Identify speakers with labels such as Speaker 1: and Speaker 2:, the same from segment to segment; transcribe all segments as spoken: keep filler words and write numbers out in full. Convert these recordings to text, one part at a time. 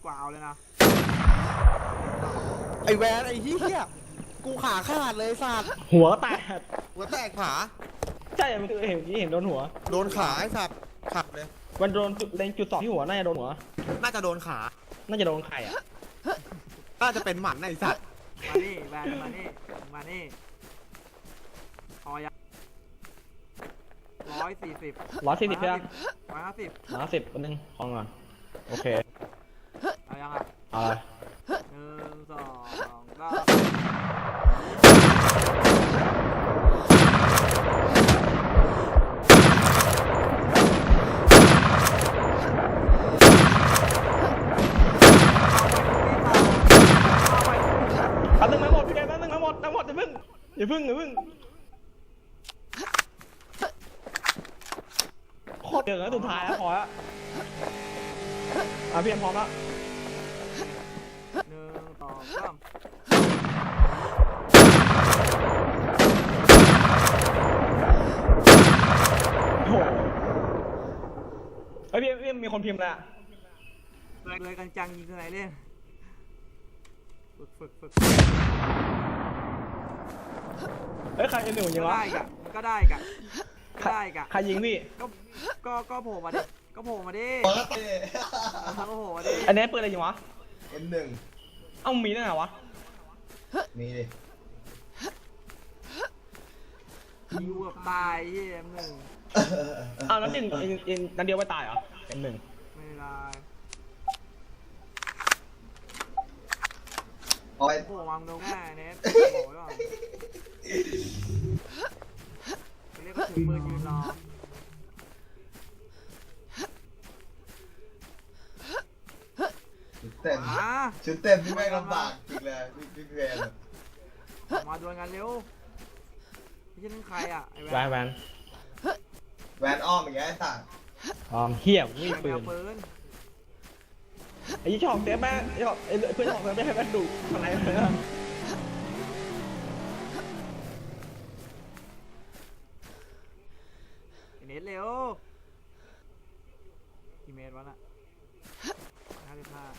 Speaker 1: ว่าเอาเลยนะ
Speaker 2: ไอแวนไอเฮียกูขาขาดเลยสัตว์
Speaker 3: หัวแตก
Speaker 2: หัวแตกขา
Speaker 3: ใช่มันเห็นเห็นโดนหัว
Speaker 2: โดนขาไอสัตว์ขัดเลย
Speaker 3: มันโดนจุดเล็งจุดสองที่หัวน่าจะโดนหัว
Speaker 2: น่าจะโดนขา
Speaker 3: น่าจะโดนไข่อ่ะ
Speaker 2: น่าจะเป็นหมันไอสัตว์
Speaker 1: มานี่แบนมานี่มานี่พอยังร้อยสี่สิบ
Speaker 3: ร้อยสี่สิบใช่ไหม
Speaker 1: ร้อยห้าสิบ
Speaker 3: ร้อยสิบคนหนึ่งพองก่อนโอเค
Speaker 1: เอายังอ่ะ
Speaker 3: เอาเลย
Speaker 1: หนึ่งสองก็
Speaker 3: เอาหนึ่งมาหมดพี่แกเอาหนึ่งมาหมดทั้งหมดอย่าพึ่งอย่าพึ่งอย่าพึ่งโคตรเดือดแล้วสุดท้ายแล้วพอแล้วอ่ะพี่เอ็มพร้อมแล้ว
Speaker 1: หนึ่งสองสาม
Speaker 3: โอ้โหเฮ้ยพี่พี่มีคนพิมพ์แล้ว
Speaker 1: เลยกันจังยิงที่ไหนเล่นฝึกฝึกฝึก
Speaker 3: เฮ้ยใครเอ็มหนึ่งยิง
Speaker 1: ก็
Speaker 3: วะ
Speaker 1: ได้กะมันก็ได้กะก็ได้กะ
Speaker 3: ใครยิงพี่
Speaker 1: ก็ก็ก็โผล่มาดิก็โผล่มาดิ
Speaker 2: เปิดเ
Speaker 1: ก็โผล่มาดิ
Speaker 3: อันนี้ปืนอะไรยิงวะ
Speaker 2: อ็มหนึ่ง
Speaker 3: เอ้ามีได้ไงวะ
Speaker 2: มีดิ
Speaker 1: ยิงแบบตายเยี่ยมหนึ่ง
Speaker 3: อ้าวแล้วยิงยิงยิงนัดเดียวไม่ตายเหรอเอ็มหนึ่ง
Speaker 1: ไม่ได้
Speaker 2: เอาไป
Speaker 1: โผล่มาโดนแม่เน็ตโผล่ด้วยเรียกว่าถือปืนยืนรอ
Speaker 2: ชุดเต็ม
Speaker 1: มา
Speaker 2: ชุดเต็มที่ไม่ลำบากจริงเลยพี่พี่แวน
Speaker 1: มาดวลกันเร็วไม่ใช่นั่นใครอ่ะไอ้
Speaker 3: แวนแวน
Speaker 2: แวนอ้อมอย่างเงี้ยไอ้สัตว์
Speaker 3: อ๋อเหี้ยมี
Speaker 1: แบ
Speaker 3: ปื
Speaker 1: บ
Speaker 3: น
Speaker 1: ปืน
Speaker 3: ไอ้ยี่ชอบเซฟแม่ไอ้ชอบไอ้เพื่อนชอบเซฟไม่ให้แม่ดุทำไมเลยนะ
Speaker 1: ไอ้เน็ตเร็วกี่เมตรวะน่ะห้าสิบห้า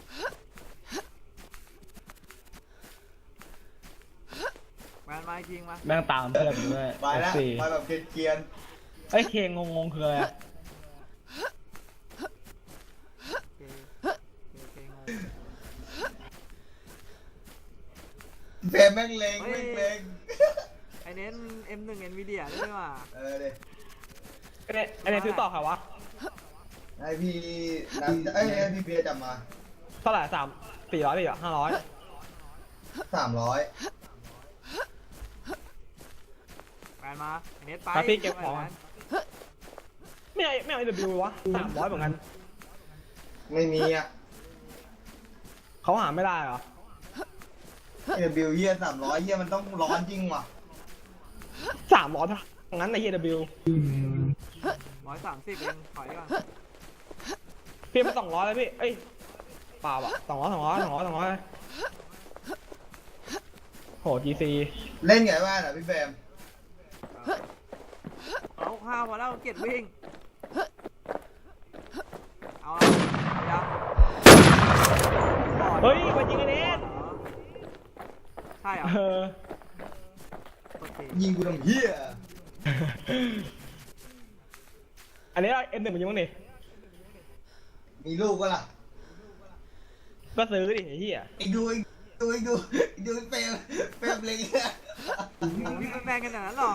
Speaker 1: แวนมาจริงมา
Speaker 3: แม่งตามเพื่อนด้วย
Speaker 2: ไปแล้วไปแบบเกรียน
Speaker 3: ไอ้เคงงงๆคืออะไรอะ
Speaker 1: โอเคโอเคงง
Speaker 2: ๆเฟรมแม่งเลงแม่งเลง
Speaker 1: ไอ้เน้น เอ็ม หนึ่ง Nvidia ด้วยว่ะ
Speaker 2: เออดิ
Speaker 3: ไอ้เนี่ยไอ้เนี่ยซื้อต่อใครวะ
Speaker 2: ไอพี่นัดเอ้ยไอพี่เบียร์จับมา
Speaker 3: เท่าไหร่สามสี่ร้อยพี่เหรอห้าร้อย
Speaker 2: สามร้อย
Speaker 1: แวนมาไอ้เน็ตไป
Speaker 3: ไปพี่เก็บของ
Speaker 1: แวน
Speaker 3: ไม่เอาไม่เอาไอ้เดบิววะสามร้อยเหมือนกัน
Speaker 2: ไม่มีอ่ะ
Speaker 3: เขาหาไม่ได้เหรอ
Speaker 2: เอบิวเฮียสามร้อยเฮียมันต้องร้อนจริงว่ะ
Speaker 3: สามร้อยทั้งนั้นในเฮียเดบิว
Speaker 1: ร้อยสามสิบเองถอยก่อน
Speaker 3: พี่ไปสองร้อยเลยพี่เอ้ยเปล่าอะสองร้อยสองร้อยสองร้อยสองร้อยโหจีซี
Speaker 2: เล่นไงบ้างอ่ะพี่แฟม
Speaker 1: เอาข้าวมาแล้วเกียรติวิ่ง เอาละเอายัง
Speaker 3: เฮ้ยมายิงไอ้เนส
Speaker 1: ใช่เหรอ
Speaker 3: เออ
Speaker 1: โอเค
Speaker 2: ยิงกูทำเฮีย
Speaker 3: อันนี้เอ็มหนึ่งมันยิงมั้งดิ
Speaker 2: มีลูกก็ล่ะ
Speaker 3: ก็ซื้อดิไอ้เหี้ย
Speaker 2: ไอ้ดูไอ้ดูไอ้ดูไอ้ดูเฟรมเฟรมเล็งเนี่ย
Speaker 1: ผมวิ่งเป็นแฟนกันอย่างนั้นหรอ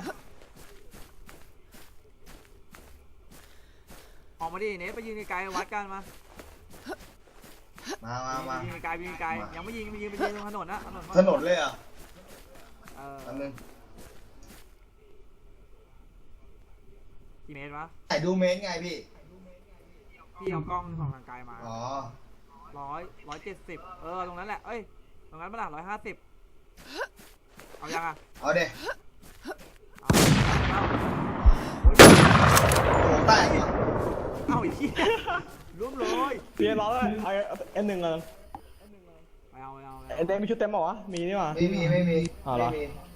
Speaker 1: ออกมาดิเนสไปยืนไกลๆวัดกันมา
Speaker 2: มามามา
Speaker 1: ยิงไกลยิงไกลยังไม่ยิงไม่ยิงไปยิงตรงถนนนะถนน
Speaker 2: ถนนเลยอ่ะ
Speaker 1: เออ
Speaker 2: อันนึง
Speaker 1: กี่เมตรวะ
Speaker 2: ถ่ายดูเมนไงพี่
Speaker 1: พี่เอากล้องส่องทางไกลมา
Speaker 2: อ๋อ
Speaker 1: ร้อยร้อยเจ็ดสิบเออตรงนั้นแหละเอ้ยตรงนั้นมาละร้อยห้าสิบเอายังอ่ะ
Speaker 2: เอาเด็
Speaker 1: เอาเอา
Speaker 2: โอ้โหแตกว่ะ
Speaker 1: เอาอีกทีร่วมเลย
Speaker 3: เพียร้อยเลยเอาเอ็มหนึ่งเลย
Speaker 1: ไปเอาไปเอาไป
Speaker 3: ไอ้เต็มมีชุดเต็มเปล่าวะมีนี่หว่า
Speaker 2: ไม่มีไม่มี
Speaker 3: อ๋อเหรอ
Speaker 2: ไม่มี